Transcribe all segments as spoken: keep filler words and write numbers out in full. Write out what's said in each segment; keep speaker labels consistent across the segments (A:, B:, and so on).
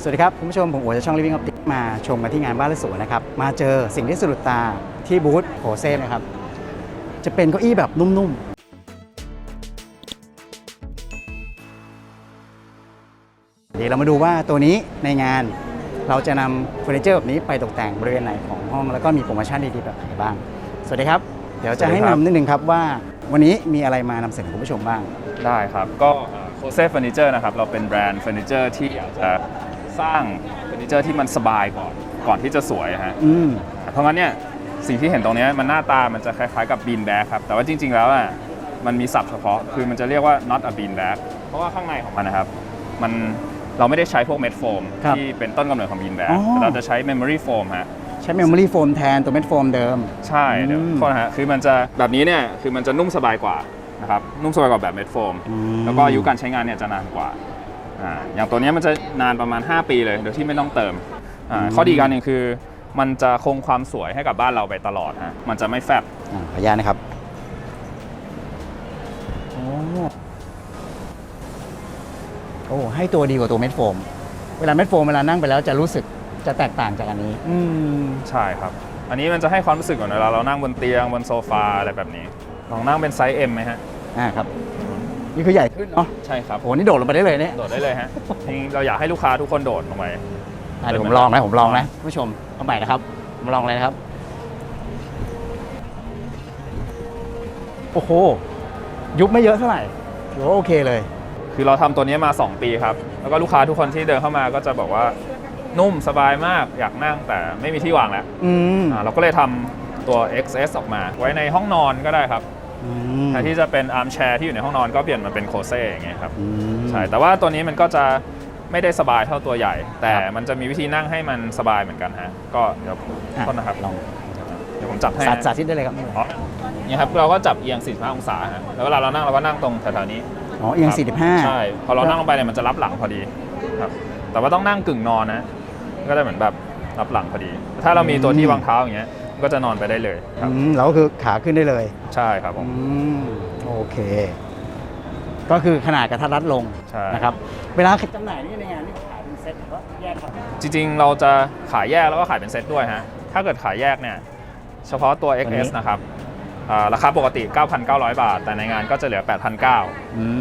A: สวัสดีครับคุณผู้ชมผมโอ๋จากช่อง Living Optic มาชมกันที่งานบ้านและสวนนะครับมาเจอสิ่งที่สะดุดตาที่บูธโพเซ่นะครับจะเป็นเก้าอี้แบบนุ่มๆเดี๋ยวเรามาดูว่าตัวนี้ในงานเราจะนำเฟอร์นิเจอร์แบบนี้ไปตกแต่งบริเวณไหนของห้องแล้วก็มีโปรโมชั่นดีๆแบบไหนบ้างสวัสดีครับเดี๋ยวจะให้นำนิดนึงครับว่าวันนี้มีอะไรมานำเสนอคุณผู้ชมบ้าง
B: ได้ครับก็โคเซ่เฟอร์นิเจอร์นะครับเราเป็นแบรนด์เฟอร์นิเจอร์ที่อยากจะสร้างเฟอร์นิเจอร์ที่มันสบายก่อนก่อนที่จะสวยฮะเพราะงั้นเนี่ยสิ่งที่เห็นตรงนี้มันหน้าตามันจะคล้ายๆกับบีนแบ็กครับแต่ว่าจริงๆแล้วอ่ะมันมีศัพท์เฉพาะคือมันจะเรียกว่า not a bean bag เพราะว่าข้างในของมันนะครับมันเราไม่ได้ใช้พวกเม็ดโฟมที่เป็นต้นกำเนิดของบีนแบ็กแต่เราจะใช้ memory foam ฮะ
A: ใช้ memory foam แทนตัวเม็ดโฟมเดิม
B: ใช่เดี๋ยวโทษนะฮะคือมันจะแบบนี้เนี่ยคือมันจะนุ่มสบายกว่านะครับนุ่มสบายกว่าแบบเม็ดโฟมแล้วก็อายุการใช้งานเนี่ยจะนานกว่าอ่าอย่างตัวนี้มันจะนานประมาณห้าปีเลยโดยที่ไม่ต้องเติมอ่าข้อดีการหนึ่งคือมันจะคงความสวยให้กับบ้านเราไปตลอดฮะมันจะไม่แฟบ
A: ขออนุญาตนะครับโอ้โอ้ให้ตัวดีกว่าตัวเม็ดโฟมเวลาเม็ดโฟมเวลานั่งไปแล้วจะรู้สึกจะแตกต่างจากอันนี้
B: อืมใช่ครับอันนี้มันจะให้ความรู้สึกเหมือนเวลาเรานั่งบนเตียงบนโซฟาอะไรแบบนี้ลองนั่งเป็นไซส์ M ไหมฮะ
A: อ่าครับนี่คือใหญ่ขึ้นเนาะ
B: ใช่ครับ
A: โอ้นี่โดดลงไปได้เลยเนี่ย
B: โดดได้เลยฮะจริงเราอยากให้ลูกค้าทุกคนโดดลงไป
A: เดี๋ยวผมลองนะผมลองนะผู้ชมเอาใหม่นะครับผมลองเลยนะครับโอ้โหยุบไม่เยอะเท่าไหร่ถือว่าโอเคเลย
B: คือเราทำตัวนี้มาสองปีครับแล้วก็ลูกค้าทุกคนที่เดินเข้ามาก็จะบอกว่านุ่มสบายมากอยากนั่งแต่ไม่มีที่วางแล้วอ่าเราก็เลยทำตัว เอ็กซ์ เอส ออกมาไว้ในห้องนอนก็ได้ครับแทนที่จะเป็นอาร์มแชร์ที่อยู่ในห้องนอนก็เปลี่ยนมาเป็นโคเซ่อย่างเงี้ยครับใช่แต่ว่าตัวนี้มันก็จะไม่ได้สบายเท่าตัวใหญ่แต่มันจะมีวิธีนั่งให้มันสบายเหมือนกันฮะก็เดี๋ยวต้นนะครับลองเดี๋ยวผมจับให้
A: สาธิตได้เลยครับ
B: นี่ครับเราก็จับเอียงสี่สิบห้าองศาฮะแล้วเวลาเรานั่งเราก็นั่งตรงแถวๆนี้
A: อ๋อเอียงสี่สิบห้า
B: ใช่พอเรานั่งลงไปเนี่ยมันจะรับหลังพอดีครับแต่ว่าต้องนั่งกึ่งนอนนะก็จะเหมือนแบบรับหลังพอดีถ้าเรามีตัวที่วางเท้าอย่างเงี้ยก็จะนอนไปได้เลย
A: ครับเราก็คือขาขึ้นได้เลย
B: ใช่ครับผม
A: โอเคก็คือขนาดกระทัดรัดลงนะครับเวลาจำหน่ายนี่ในงานนี่ขายเป็นเซ็ตหรือว่าแยกครับ
B: จริงๆเราจะขายแยกแล้วก็ขายเป็นเซ็ตด้วยฮะถ้าเกิดขายแยกเนี่ยเฉพาะตัว เอ็กซ์ เอส นะครับราคาปกติ เก้าพันเก้าร้อย บาทแต่ในงานก็จะเหลือ แปดพันเก้าร้อย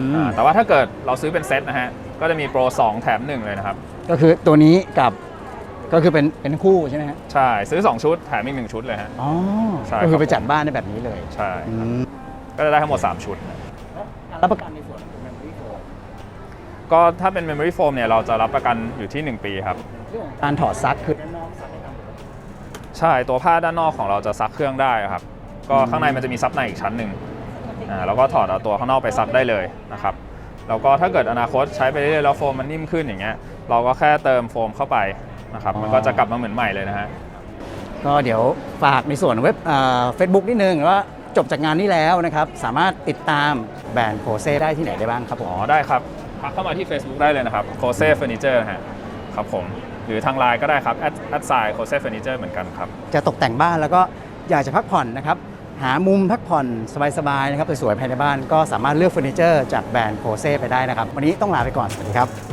B: แต่ว่าถ้าเกิดเราซื้อเป็นเซ็ตนะฮะก็จะมีโปรสองแถมหนึ่งเลยนะครับ
A: ก็คือตัวนี้กับก็คือเป็นเป็นคู่ใช่ไหมฮะ
B: ใช่ซื้อสองชุดแถมอีกหนึ่งชุดเลยฮะ
A: อ๋อใช่ก็คือไปจัดบ้านได้แบบนี้เลย
B: ใช่ก็จะได้ทั้งหมดสามชุด
A: รับประกันในส่วนของ Memory Foam
B: ก็ถ้าเป็น Memory Foam เนี่ยเราจะรับประกันอยู่ที่หนึ่งปีครับ
A: การถอดซักคือด้านนอกซักได้ตามปกติ
B: ใช่ตัวผ้าด้านนอกของเราจะซักเครื่องได้ครับก็ข้างในมันจะมีซับในอีกชั้นหนึ่งอ่าแล้วก็ถอดเอาตัวข้างนอกไปซักได้เลยนะครับแล้วก็ถ้าเกิดอนาคตใช้ไปเรื่อยๆแล้วโฟมมันนิ่มขึ้นอย่างเงี้ยเราก็แค่เติมโฟมเข้าไปนะครับมันก็จะกลับมาเหมือนใหม่เลยนะฮะ
A: ก็เดี๋ยวฝากในส่วนเว็บเฟซบุ๊กนิดนึงว่าจบจากงานนี้แล้วนะครับสามารถติดตามแบรนด์โคเซ่ได้ที่ไหนได้บ้างครับผม
B: อ๋อได้ครับทักเข้ามาที่ Facebook ได้เลยนะครับโคเซ่เฟอร์นิเจอร์ฮะครับผมหรือทางไลน์ก็ได้ครับแอดไซน์โคเซ่เฟอร์นิเจอร์เหมือนกันครับ
A: จะตกแต่งบ้านแล้วก็อยากจะพักผ่อนนะครับหามุมพักผ่อนสบายๆนะครับสวยๆภายในบ้านก็สามารถเลือกเฟอร์นิเจอร์จากแบรนด์โคเซ่ไปได้นะครับวันนี้ต้องลาไปก่อนสวัสดีครับ